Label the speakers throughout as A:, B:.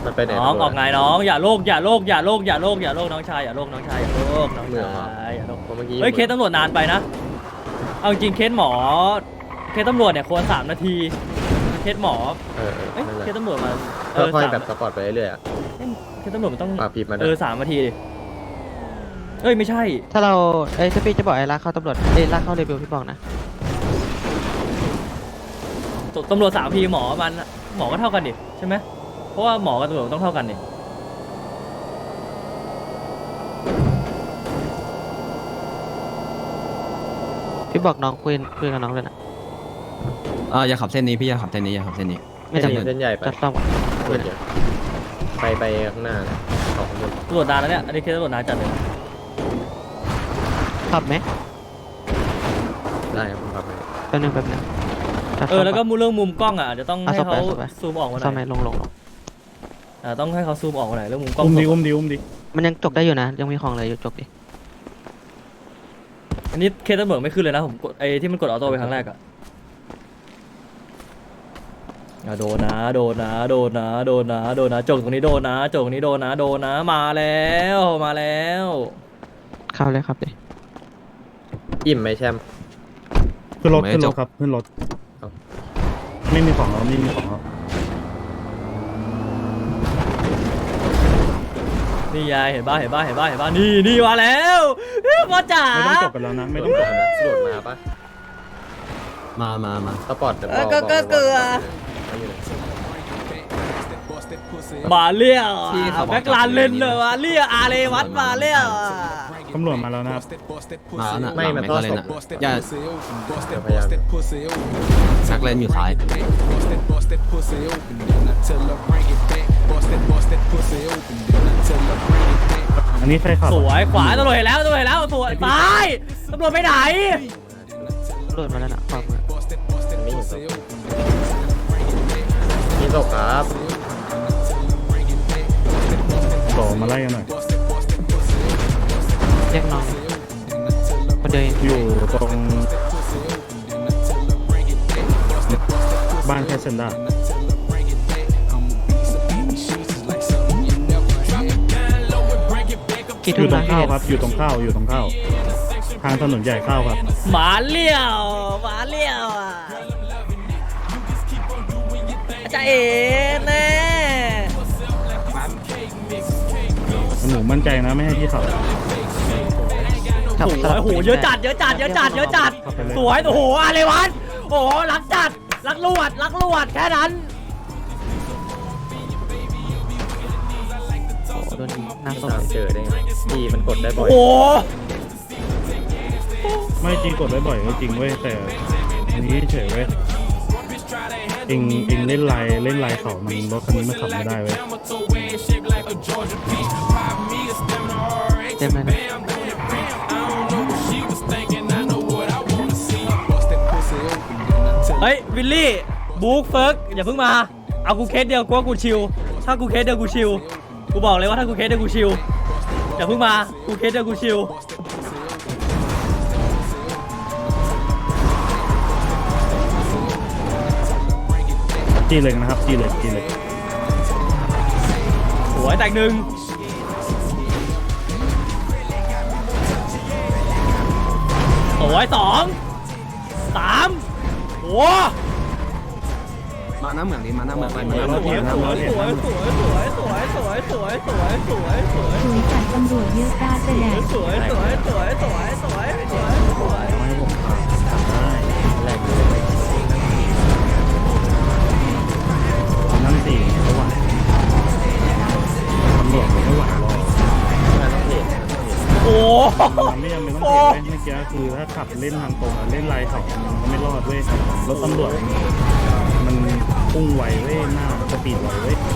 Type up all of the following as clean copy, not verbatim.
A: มันไปไหน
B: น้องออกไงน้องอย่าโลกอย่าโลกอย่าโลกอย่าโลกอย่าโลกน้องชายอย่าโลกน้องชายอย่าโลกน้องชายอย่าโลก
A: เมื่อกี้
B: เฮ้ยเคสตำรวจนานไปนะเอาจริงเคสหมอเคสตำรวจเนี่ยควร3 นาทีเคสหมอเอ้ยเคสตำรวจมา
A: ค่อยๆแบบสปอร์ตไปเรื่อยๆอ่ะ
B: เคสตำรวจมันต้อง
A: ปากผิดมา
B: 3 นาทีดิเอ้ยไม่ใช่
C: ถ้าเราถ้าพี่จะบอกไอ้ลากเข้าตำรวจลากเข้าเรเบลพี่บอกนะ
B: ตำรวจ3 นาทีหมอก็เท่ากันดิใช่ไหมเพราะว่าหมอกับตำรวจต้องเท่ากันดิ
C: พี่บอกน้องคุยกับน้องเลยนะ
D: อย่าขับเส้นนี้พี่อย่าขับเส้นนี้อย่าขับเส้นนี้
C: ไม่จำเป็น
A: เส้นใหญ่ไป
C: จะซ่อม
A: ไปข้างหน้าออกข้างบน
B: ตำรวจนานแล้วเนี่ยอันนี้เคสตำรวจนานจัดเลย
C: ขับไหม
A: ได้ครับผมครับ
C: แป๊บนึง
B: แล้วก็เรื่องมุมกล้องอ่ะจะต้องให้เขาซูมออกมาหน่
C: ซ่อ
B: อ
C: มไหม
B: ย
C: ลง
B: ต้องให้เขาซูมออกมาหน่อยเรื่องมุมกล้อง
E: อุ้มดิ
C: มันยังจกได้อยู่นะยังมีของอะไรอยู่จกดิ
B: อันนี้เคสตำรวจไม่ขึ้นเลยนะผมกดไอ้ที่มันกดออโต้ไปครั้งแรกอ่ะโดนนะจกตรงนี้โดนนะจกตรงนี้โดนนะมาแล้ว
C: เข้าเลยครับดิ
A: อิ่มไหมแชมป์
E: ขึ้นรถครับขึ้นรถไม่มีของเราไม่มีของเรา
B: นี่ยายเห็นบ้านี่มาแล้วพ่อจ๋า
E: ไม่ต้องจบกันแล้วนะไม่ต้องจบ
A: สโดดมาปะ
D: มา
A: สปอร์ต
B: ก็เกลือมาเลี้ยวแบ็คลานเลนเลยมาเลี้ยวอาเลวัดมาเลี้ยว
E: ตำรวจมาแล้วนะครับ
D: มาแล้วนะ
A: ไม่มันต้อง
D: เลย
A: ศ
D: นะ
A: พ
D: อย่า
A: พยายาม
D: ชักเลนอยู่ซ้าย
E: อันนี้ใครขับ
B: สวยขวาตำรวจเห็นแล้วสวยซ้ายตำรวจไปไหน
C: ตำรวจมาแล้วนะขวามือ
A: ไม่เห็นศพมีศพครับ
E: ต่อมาไล่กันหน่อย
C: เรียกน้องคนเดียวเอง
E: อยู่ตรงบ้านแคสเซนด้า
C: กี่
E: อ
C: ทุ่
E: ยู่
C: ม
E: ตร
C: นะ
E: งข้าวครับอยู่ตรงข้าวทางถนนใหญ่ข้าวครับ
B: หมาเลี้ยวจะเอ๋แน่
E: หนูมั่นใจนะไม่ให้พี่ขับ
C: ขับ
B: สวยโอ้โหเยอะจัดสวยโอ้โหอะไรวะโอ้โหรักจัดรักลวดแค่นั้น
C: โดนยิงหน้าส้ม
A: ตามเจอได้ไงดีมันกดได้บ่อย
B: โอ้โห
E: ไม่จริงกดไว้บ่อยก็จริงเว้ยแต่อันนี้เฉยเว้ยเองเล่นลายเขามันรถคันนี้มันขับไม่ได้เว้ย
C: เต็มเลยนะ
B: เฮ้ยวิลลี่บุ๊กเฟิร์กอย่าเพิ่งมาเอากูเคสเดียวกูว่ากูชิลถ้ากูเคสเดียวกูชิลกูบอกเลยว่าถ้ากูเคสเดียวกูชิลอย่าเพิ่งมากูเคสเดียวกูชิล
E: จีเหล็กนะครับจีเหล็ก
B: สวยแตกหนึ่งสวย2 3โอ้
D: มาหน้าเหมืองดิมาหน้าเหมือง
B: สวย
F: จัดตำรวจเยอะตาแสดง
B: สวย
E: ให้ผมขับได้
A: แรก
E: นั่นสิไม่ไหวตำรวจไม่ไหวหรอก
B: โอ้
E: มันไม่จำเป็นต้องเห็นเมื่อกี้คือถ้าขับเล่นทางตรงเล่นลายเขามันก็ไม่รอดเว้ยรถตำรวจมันพุ่งไวเว้ยหน้าสปีดไวเว้ย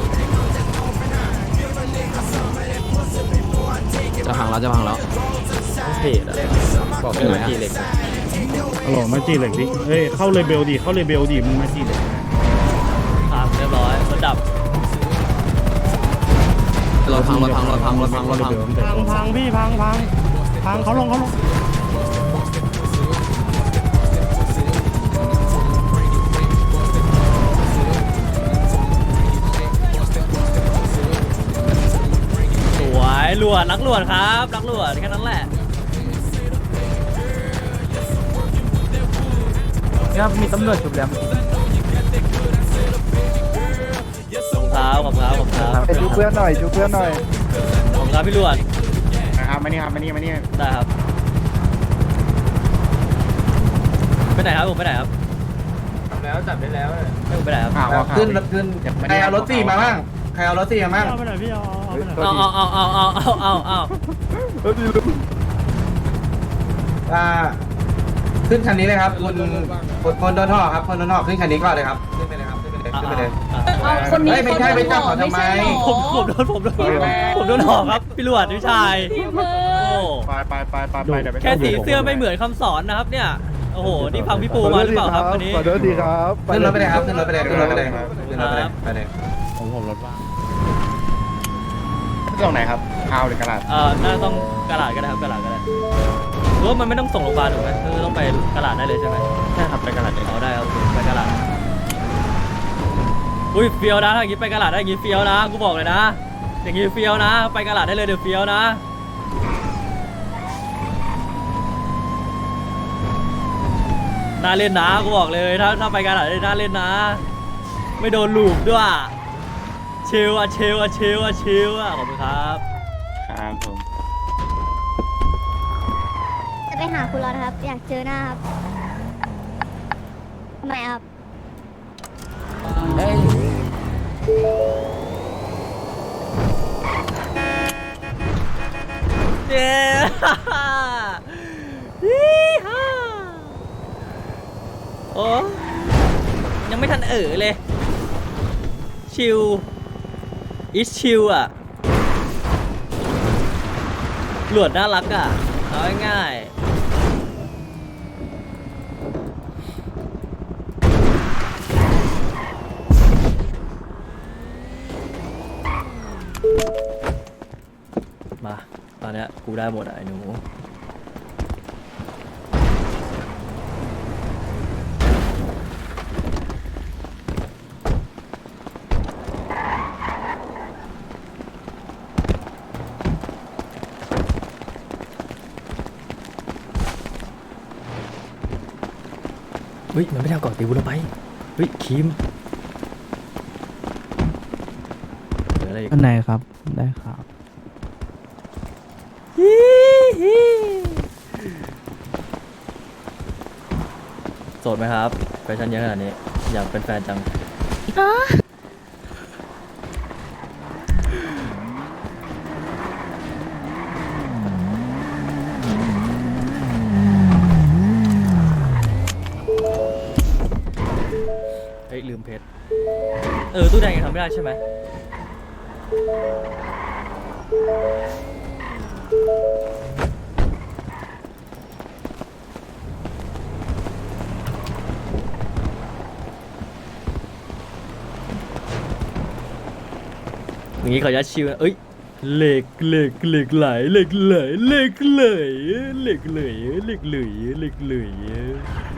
D: จะพังแล้ว
A: ต้องเพจอะบอกให้มาทีเหล็ก
E: ฮัลโหลมาจีเหล็กดิเฮ้ยเข้าเลเบลดิมึงมาจีเหล็ก
B: ครับเรียบร้อยมันดับ
D: รถพัง
E: พังพี่พังเขาลง
B: หลวดรักหลวดครับรักหลวดแค่นั้นแหละ
C: ครับมีตำรวจฉุบแล้ว
B: ขอบคุณครับขอบคุณครับ
C: ไปดูเพื่อนหน่อยดูเพื่อนหน่อย
B: ขอบคุณครับพี่หลวด
E: นะครับมานี่ครับมานี่
B: ได้ครับไปไหนครับผมไปไหนครับแล้วจับได้แล้วผมไปไหนครับ
G: ขึ้นใครเอารถสี่มาบ้างใครเอารถสี่มาบ้าง
E: เอาไปหน่อยพี่เอาไปหน่อย
B: เอา
G: ขึ้นคันนี้เลยครับคนโดนท่อครับคนโดนท่อขึ้นคันนี้ก่อนเลยครับขึ้นไปเลยครับขึ้นไปเลย
H: คนนี้
G: ไม่ใช่ไปจับเขาทำไม
B: ผมโดนหอกครับพี่หลวดพี่ชายโอ้
E: ไปเดี๋ยวไป
B: แค่สีเสื้อไม่เหมือนคำสอนนะครับเนี่ยโอ้โหนี่ฟังพี่ปูมาหรือเปล่าครับวันนี้
C: ขอโทษทีครับ
G: ขึ้นรถไปเลยครับขึ้นรถไปเลยขึ้นรถไปเลยขึ้นรถไปเลยไปเลย
E: ผมรถว่างตรงไหนครับพาวหรือกระดาษ
B: น่าจะต้องกระดาษก็ได้ครับกระดาษก็ได้หรือว่ามันไม่ต้องส่งโรงพยาบาลถูกไหมคือต้องไปกระดาษได้เลยใช่ไหม
E: ใช่ครับไปกระดาษ
B: เอาได้ครับไปกระดาษอุ้ยเฟี้ยวนะถ้าอย่างงี้ไปกระดาษได้อย่างงี้เฟี้ยวนะกูบอกเลยนะอย่างงี้เฟี้ยวนะไปกระดาษได้เลยเดี๋ยวเฟี้ยวนะน่าเล่นนะกูบอกเลยถ้าไปกระดาษได้น่าเล่นนะไม่โดนลูบด้วยเชลอะขอบคุณครับ
E: ครับผม
H: จะไปหาคุณรอนะครับ อยากเจอหน้าครับทำไมครับ
B: เย้โอ้ยังไม่ทันเลยชิลอิชชิลอ่ะหลวดน่ารักอ่ะเอาง่ายมาตอนเนี้ยกูได้หมดอ่ะไอ้หนูเฮ้ยมันไม่ได้เอาก่อนตีกูลงไปเฮ้ยคิมเหลืออะไรอีก
C: อันไหนครับได้ครับ
B: โสดไหมครับแฟชั่นเยอะขนาดนี้อยากเป็นแฟนจังเฮ้ยลืมเพชรตู้แดงยังทำไม่ได้ใช่ไหมอย่างนี้เขาจะชิวเอ้ยเหล็กไหลเหล็กไหล